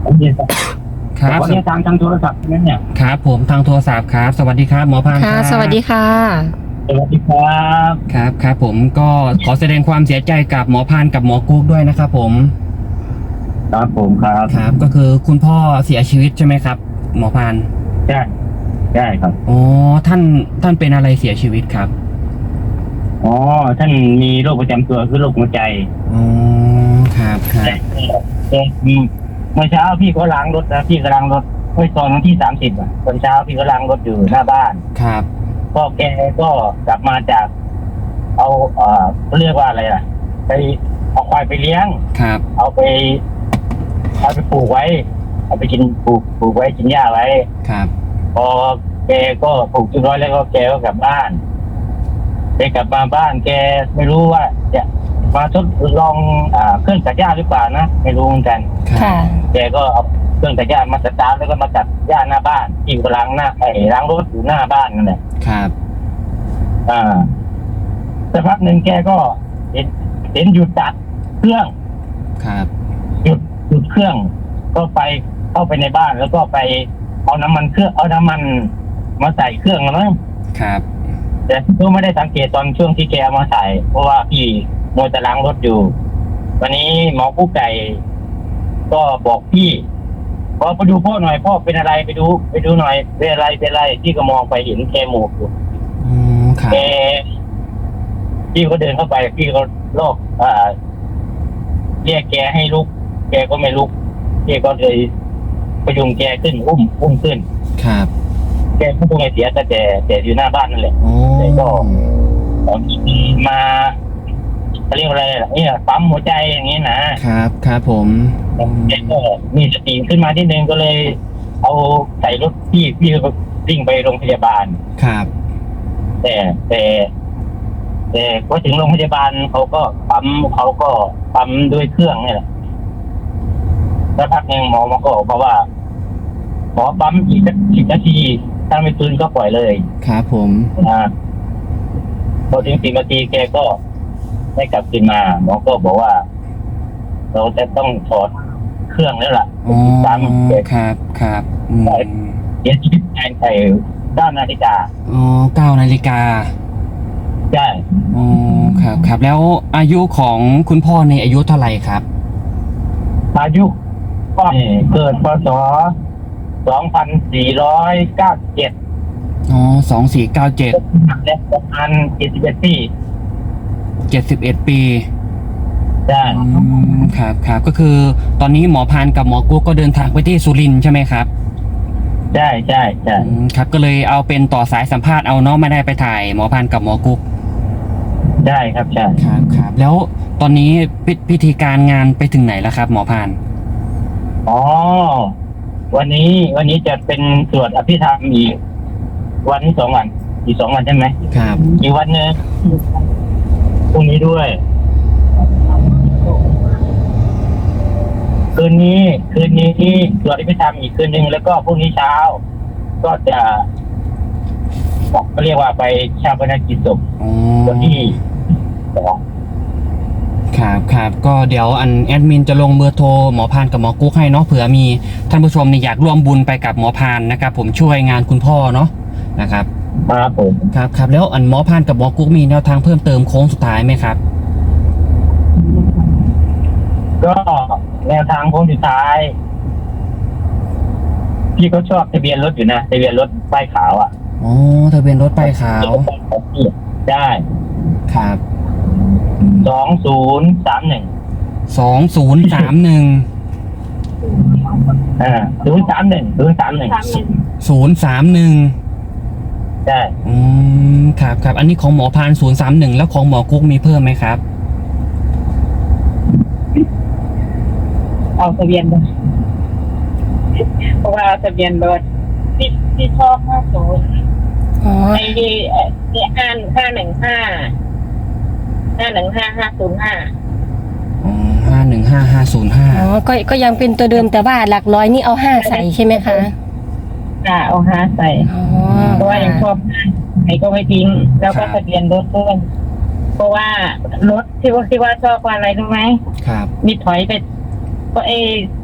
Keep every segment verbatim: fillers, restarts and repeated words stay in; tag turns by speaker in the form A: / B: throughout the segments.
A: ผมเรียนค
B: ครั
A: รับบ วันนี้ทางทางโทรศัพท์นั่นเนี่ย
B: ครับผมทางโทรศัพท์ครับสวัสดีครับหมอพาน
C: ค่ะ
B: รับ
C: สวัสดีค่ะ
A: สวัสดีครับ
B: ครับครับผมก็ขอแสดงความเสียใจกับหมอพานกับหมอกุ๊กด้วยนะครับผม
A: ครับผมครับ
B: ครับก็คือคุณพ่อเสียชีวิตใช่ไหมครับ หมอพาน
A: ใช่ใช่ครับ
B: อ๋อท่านท่านเป็นอะไรเสียชีวิตครับ
A: อ๋อท่านมีโรคประจำตัวคือโรคหัวใจ
B: อ๋อครับครับ
A: แต่แต่เมื่อเช้าพี่ก็ล้างรถนะพี่ก็ล้างรถเมื่อตอนวันที่สามสิบอ่ะตอนเช้าพี่ก็ล้างรถอยู่หน้าบ้าน
B: ครับ
A: ก็แกก็กลับมาจาก เอาเอ่อเขาเรียกว่าอะไรล่ะ ไปเอาควายไปเลี้ยง
B: ครับ
A: เอาไปเอาไปปลูกไว้ เอาไปกินปลูกปลูกไว้กินหญ้าไว้
B: ครับ
A: พอแกก็ปลูกจนร้อยแล้วก็แกก็กลับบ้านแกกลับมาบ้านแกไม่รู้ว่าจะมาทดลองอ่าเครื่องตัดหญ้าหรือเปล่านะไม่รู้เหมือนกัน
B: ครับ
C: ค่ะ
A: แกก็เอาเครื่องตัดหญ้ามาสตาร์ทแล้วก็มาตัดหญ้าหน้าบ้านที่กำลังหน้าไอ้ล้างรถอยู่หน้าบ้านนั่นแหละ
B: ครับ
A: อ่าสักพักหนึ่งแกก็เห็นเห็นหยุดตัดเครื่อง
B: ครับ
A: หยุดหยุดเครื่อง ก็ไปเข้าไปในบ้านแล้วก็ไปเอาน้ำมันเครื่องเอาน้ำมันมาใส่เครื่องแล้วมั้ง
B: ครับ
A: แต่ก็ไม่ได้สังเกตตอนช่วงที่แกเอามาใส่เพราะว่าพี่มัวแต่ล้างรถอยู่ วันนี้หมอกู้ไก่ ก็บอกพี่พอไปดูพ่อหน่อยพ่อเป็นอะไรไปดู ไปดูหน่อยเป็นอะไรเป็นอะไรพี่ก็มองไปเห็นแกหมวกอยู่
B: อ๋อครับ
A: แกพี่ก็เดินเข้าไปพี่ก็โลกอ่าเรียกแกให้ลุก แกก็ไม่ลุกพี่ก็เลยพยุงแกขึ้นอุ้มอุ้มขึ้น
B: ครับ
A: แกก็คงไม่เสียแต่แต่แต่อยู่หน้าบ้านนั่นแหละ
B: โอ้
A: แต่ก็ ตอนที่มาเขาเรียกอะไรล่ะเนี่ยปั๊มหัวใจอย่างนี้นะครับ
B: ครับผมอืม
A: แกก็มีสติขึ้นมาที่นึงก็เลย เอาใส่รถพี่พี่ก็วิ่งไปโรงพยาบาล
B: ครับ
A: แต่แต่แต่พอถึงโรงพยาบาลเขาก็ปั๊มเขาก็ปั๊มด้วยเครื่องนี่แหละแล้วพักหนึ่งหมอมาก็บอกมาว่าหมอปั๊มอีกสักสิบนาทีถ้าไม่ฟื้นก็ปล่อยเลย
B: ครับผม
A: อ่าพอถึงสิบนาทีแกก็ได้กลับคืนมาหมอก็บอกว่า เราจะต้องถอดเครื่องแล้วล่ะ
B: อ๋อ
A: ตามแก
B: ครับครับอืม
A: เสียชีวิตภายในด้านนาฬิกา
B: อ๋อเก้านาฬิกา
A: ใช่
B: อ๋อครับครับแล้วอายุของคุณพ่อในอายุเท่าไหร่ครับ
A: อายุก็เกิดพศสองพันสี่ร้อยเก้าสิบเจ็ด
B: อ๋อสองสี่เก้าเจ็ด
A: และประมาณเจ็ดสิบเอ็ดปี
B: เจ็ดสิบเอ็ดปี
A: ใช่
B: อืมครับครับก็คือตอนนี้หมอพานกับหมอกุ๊กก็เดินทางไปที่สุรินทร์ใช่ไหมครับ
A: ใช่ใช่ใช่
B: อืมครับก็เลยเอาเป็นต่อสายสัมภาษณ์เอาเนาะไม่ได้ไปถ่ายหมอพานกับหมอกุ๊ก
A: ใช่ครับใช่
B: ครับครับแล้วตอนนี้พิพิธีการงานไปถึงไหนแล้วครับ หมอพาน
A: อ๋อวันนี้วันนี้จะเป็นสวดอภิธรรมอีกวันที่สองวันอีกสองวันใช่ไหม
B: ครับ
A: อีกวันหนึงพรุ่งนี้ด้วย คืนนี้คืนนี้สวดอภิธรรมอีกคืนหนึ่งแล้วก็พรุ่งนี้เช้า ก็จะบอกเขาเรียกว่าไปชาปนกิจศพ
B: อ๋อ
A: วันที่สอง
B: ครับครับก็เดี๋ยวอันแอดมินจะลงเบอร์โทรหมอพานกับหมอกุ๊กให้เนาะเผื่อมีท่านผู้ชมเนี่ยอยากร่วมบุญไปกับหมอพานนะครับผมช่วยงานคุณพ่อเนาะนะครับ
A: ครับผม
B: ครับครับแล้วอันหมอพานกับหมอกุ๊กมีแนวทางเพิ่มเติมโค้งสุดท้ายไหมครับ
A: ก็แนวทางโค้งสุดท้าย พี่ก็ชอบทะเบียนรถอยู่นะทะเบียนรถป้ายขาวอ่ะ
B: อ๋อทะเบียนรถป้ายขาว
A: ได้
B: ครับ
A: สองศูนย์สามหนึ่ง
B: สองศูนย์สามหนึ่ง
A: อ่าศูนย์สามหนึ่งศูนย์สามหนึ่ง
B: ศูนย์สามหนึ่ง
A: ใช่
B: อืมครับครับอันนี้ของหมอพานศูนย์สามหนึ่งแล้วของหมอกุ๊กมีเพิ่มไหมครับ
D: เอาทะเบียนรถเพราะว่าทะเบียนรถที่ที่ชอบห้าศูนย์
C: อ๋อ
D: ไอ้ที่ที่ห้าห้าหนึ่งห้าห้าหนึ่งห้าห้าศูนย์ห้า
B: อ๋อห้าหนึ่งห้าห้าศูนย์ห้า
C: อ๋อก็ก็ยังเป็นตัวเดิมแต่ว่าหลักร้อยนี่เอาห้าใส่ใช่ไหมคะ
D: อ่าเอาห้าใส่
C: อ๋อ
D: เพราะว่ายังชอบห้าไหนก็ไม่ทิ้ง แล้วก็ทะเบียนรถด้วยเพราะว่ารถที่ว่าที่ว่าชอบว่าอะไรรู้ไหม
B: ครับ
D: มีถอยไปก็เอ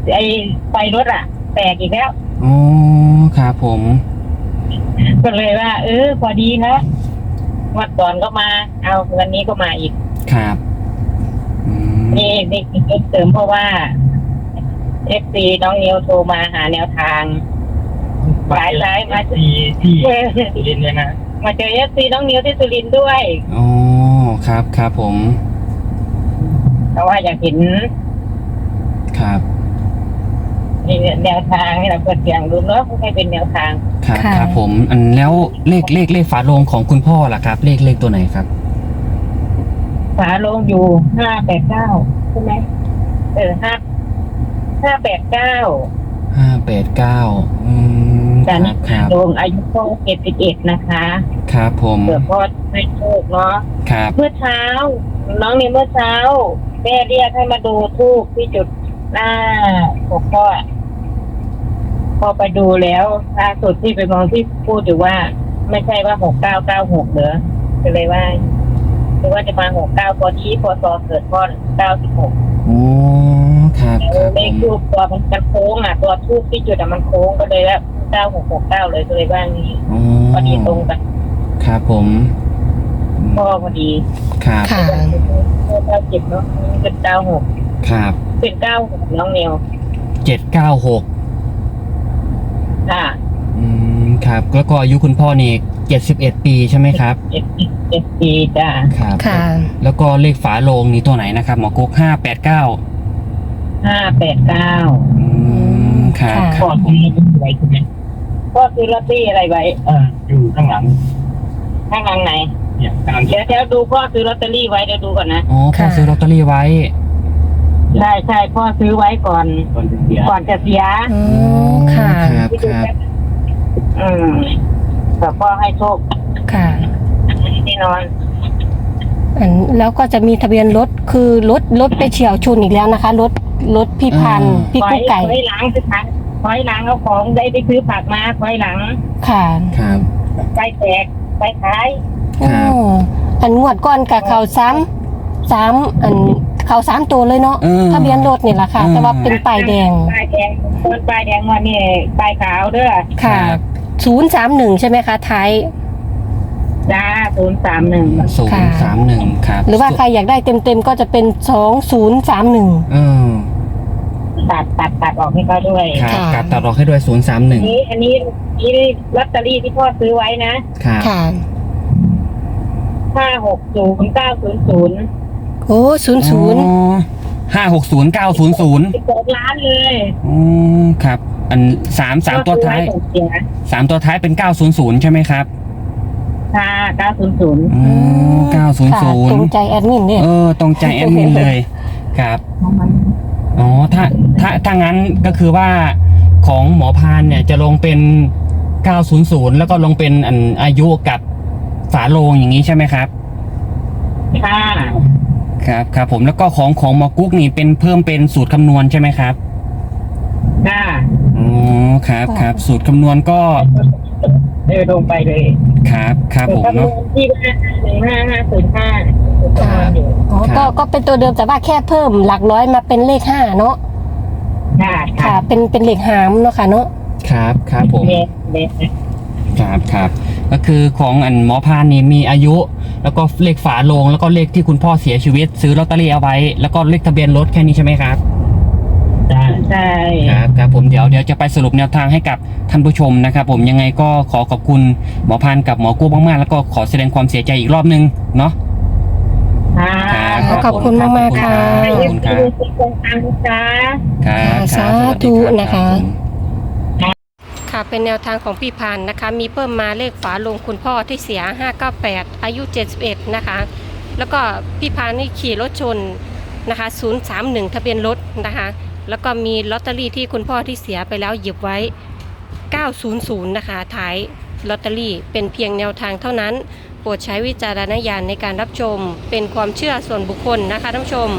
D: ไอ้ไฟรถอ่ะ แตกอีกแล้ว
B: อ๋อครับผม
D: ก็เลยว่า เออ พอดีนะวันก่อนก็มา เอาวันนี้ก็มาอีก
B: ครับอืม
D: นี่นี่คือเสริมเพราะว่าเอฟซีน้องนิวโทรมาหาแนวทาง หลายหลายมา
A: ที่ที่สุรินทร์เนี่ยนะ
D: มาเจอเอฟซีน้องนิวที่สุรินทร์ด้วย
B: อ๋อครับครับผม
D: เพราะว่าอยากเห็น
B: ครับ
D: แนวทางให้เราเปิดเสียงดูเนาะให้เป็นแนวทาง
B: ครับ
C: ค่ะ
B: ครับผมอันแล้วเลขเลขเลขฝาโลงของคุณพ่อล่ะครับ เลขเลขตัวไหนครับ
D: ฝาโลงอยู่ห้าแปดเก้าใช่ไหมเออห้าห้าแปดเก้า
B: ห้าแปดเก้าอืมค
D: แต่
B: รั
D: นี่
B: บครับ
D: โลงอายุพ่อเจ็ดสิบเอ็ดนะคะ
B: ครับผม
D: เผื่อพ่อให้โชคเนาะ
B: ครับ
D: เมื่อเช้า น้องนี่เมื่อเช้าแม่เรียกให้มาดูทูบที่จุดหน้าหกพ่อพอไปดูแล้วล่าสุดที่ไปมองที่พูดอยู่ว่า ไม่ใช่ว่าหกเก้าเก้าหกเหรอก็เลยว่าคือว่าจะมาหกเก้าพอดีพอซอเกิดพ่อเก้าสิบหก
B: โอ้ครับครับ
D: เล
B: ผ
D: ข
B: ม
D: ทูบตัวมันมันโค้งอ่ะ ตัวทูบที่จุดอ่ะมันโค้งก็เลยว่าเก้าหกหกเก้าเลยก็เลยว่านี้
B: อ๋อ
D: พอดีตรงกัน
B: ครับผมอืม
D: พ่อพอดี
B: ครับ
C: ค่ะ
D: เก้าสิบเนาะเป็นเก้าหก
B: ครับ
D: เป็นเก้าหกน้องเนียว
B: เจ็ดเก้าหก
D: ค่ะ
B: อืมครับแล้วก็อายุคุณพ่อนี่เจ็ดสิบเอ็ดปีใช่ไหมครับ
D: เจ็ดเจ็ดปีจ้า
B: ครับ
C: ค่ะ
B: แล้วก็เลขฝาโลงนี่ตัวไหนนะครับหมอกุ๊กห้าแปดเก้า
D: ห้าแปดเก้า
B: อืมครับ
C: ค่ะ
B: ค
A: พ่อ
B: รับผ
A: ซื้
B: ม
A: ออะไรใช่ไหม
D: พ่อซื้อลอตเตอรี่อะไรไว้
A: เอออยู่ข้างหลัง
D: ข้างหลังไหน
A: เนี่ยกำลัง
D: เดี๋ยวเดี๋ยวดูพ่อซื้อลอตเตอรี่ไว้เดี๋ยวดูก่อนนะ
B: อ๋อพ่อซื้อลอตเตอรี่ไว้
D: ใช่ใช่พ่อซื้อไว้ก่อน
A: ก่อนจะเสีย
D: ก่อนจะเสีย
C: อ๋อค่ะ
B: ครับครับ
D: อืมแต่พ่อให้โชค
C: ค่ะ
D: แน่นอน
C: อันแล้วก็จะมีทะเบียนรถคือรถรถไปเฉี่ยวชนอีกแล้วนะคะ รถรถพี่พันธุ์พี่
D: ถอ
C: กุ๊
D: ย
C: กไก่
D: ถอยหลังซื้อผักถอยหลังเอาของได้ไปซื้อผักมาถอยหลัง
C: ค่ะ
B: ครับ
D: ไปแตกไปขาย
B: ครับ
C: อ๋ออันงวดก้อนกับเขาซ้ำซ้ำอันเขาสามตัวเลยเนาะ
B: เออ
C: ทะเบียนรถนี่แหละค่ะ
B: อืม
C: แต่ว่าเป็นป้ายแดง
D: ป้ายแดงคนป้ายแดงวันนี้ป้ายขาวเด้อ
C: ค่ะ
B: ครับ
C: ศูนย์สามหนึ่งใช่ไหมคะท้าย
D: จ้าศูนย์สามหนึ่ง
B: ศูน
C: ค่ะ
B: ย์สามหนึ่งครับ
C: หรือว่าใครอยากได้เต็มๆก็จะเป็นสองศูนย์สามหนึ่ง
B: เออ
D: ตัดตัดตัดออกให้เขาด้วย
B: ครับ
C: ค่ะ
B: กลับตัดออกให้ด้วยศูนย์สามหนึ่ง
D: อันนี้อันนี้นี่ลอตเตอรี่ที่พ่อซื้อไว้นะครับ
C: ค่ะ
D: ห้าหกศูนย์เก้าศูนย์ศูนย์
C: โอ้ศูนย์ศูนย์
B: ห้าหกศูนย์เก้าศูนย์ศูนย์
D: สิบสองล้านเลย
B: อ๋อครับ อันสามสามตัวท้าย
D: พ่อซื้อไก่อนเสีย
B: สามตัวท้ายเป็นเก้าศูนย์ศูนย์ใช่ไหมครับ
D: ค่ะเก้าศูนย์ศูนย์
B: อ๋อเก้าศูนย์
C: ค่ะ
B: ศูน
C: ตร
B: ย์
C: งใจแอดมินเนี่ย
B: เออตรงใจแอดมินเลยครับอ๋อถ้าถ้าถ้างั้นก็คือว่าของหมอพานเนี่ยจะลงเป็นเก้าศูนย์ศูนย์แล้วก็ลงเป็นอันอายุกับฝาโลงอย่างนี้ใช่ไหมครับ
D: ค่ะ
B: ครับครับผมแล้วก็ของของหมอกุ๊กนี่เป็นเพิ่มเป็นสูตรคำนวณใช่ไหมครับ
D: ค่ะ
B: อ๋อครับครับสูตรคำนวณก็
D: เดินลงไปเลย
B: ครับครับผม
D: จำน
B: เนาะ
D: วนที่ห้าหนึ่งห้าห้าศูนย์ห้าจำนวนอยู่
C: อ๋อ
B: ครั
C: ก็
B: บ
C: ก็เป็นตัวเดิมแต่ว่าแค่เพิ่มหลักร้อยมาเป็นเลขห้าเนาะ
D: ค่ะ
C: ค่ะ เป็นเป็นเลขหามเนาะค่ะเนาะ
B: ครับครับผม
D: เด็ดเด็ด
B: ครับครับก็คือของอันหมอพานนี่มีอายุ แล้วก็เลขฝาโลงแล้วก็เลขที่คุณพ่อเสียชีวิต ซื้อลอตเตอรี่เอาไว้ แล้วก็เลขทะเบียนรถแค่นี้ใช่ไหมครับ
A: ได้
D: ใช่
B: ครับครับผมเดี๋ยวเดี๋ยวจะไปสรุปแนวทางให้กับท่านผู้ชมนะครับผมยังไงก็ขอขอบคุณหมอพานกับหมอกู้มากๆแล้วก็ขอแสดงความเสียใจอีกรอบนึงเนาะ
D: ค่ะ
B: ครับ
C: ขอบคุณมากๆค่ะ
B: ขอบคุณครับ
D: เป็นคนทางจ้า
B: ครับค
C: สา
B: รับสวัสดี
C: ธุ
B: รับ
C: นะคะ
B: รับผม
C: ค่ะเป็นแนวทางของพี่พันธ์นะคะ มีเพิ่มมาเลขฝาโลงคุณพ่อที่เสียห้าเก้าแปดอายุเจ็ดสิบเอ็ดนะคะ แล้วก็พี่พันธ์นี่ขี่รถชนนะคะศูนย์สามหนึ่งทะเบียนรถนะคะ แล้วก็มีลอตเตอรี่ที่คุณพ่อที่เสียไปแล้วหยิบไว้เก้าศูนย์ศูนย์นะคะท้ายลอตเตอรี่เป็นเพียงแนวทางเท่านั้นโปรดใช้วิจารณญาณในการรับชมเป็นความเชื่อส่วนบุคคลนะคะท่านผู้ชม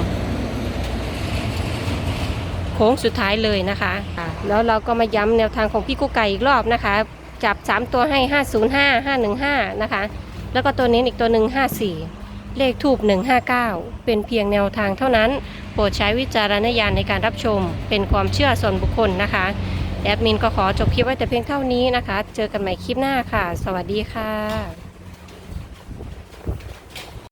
C: โค้งสุดท้ายเลยนะคะแล้วเราก็มาย้ำแนวทางของพี่กุ๊กไก่อีกรอบนะคะ จับสามตัวให้ห้าศูนย์ห้า ห้าหนึ่งห้านะคะแล้วก็ตัวนี้อีกตัวหนึ่งห้าสี่เลขทูบหนึ่งห้าเก้าเป็นเพียงแนวทางเท่านั้นโปรดใช้วิจารณญาณในการรับชมเป็นความเชื่อส่วนบุคคลนะคะแอดมินก็ขอจบคลิปไว้แต่เพียงเท่านี้นะคะเจอกันใหม่คลิปหน้าค่ะสวัสดีค่ะ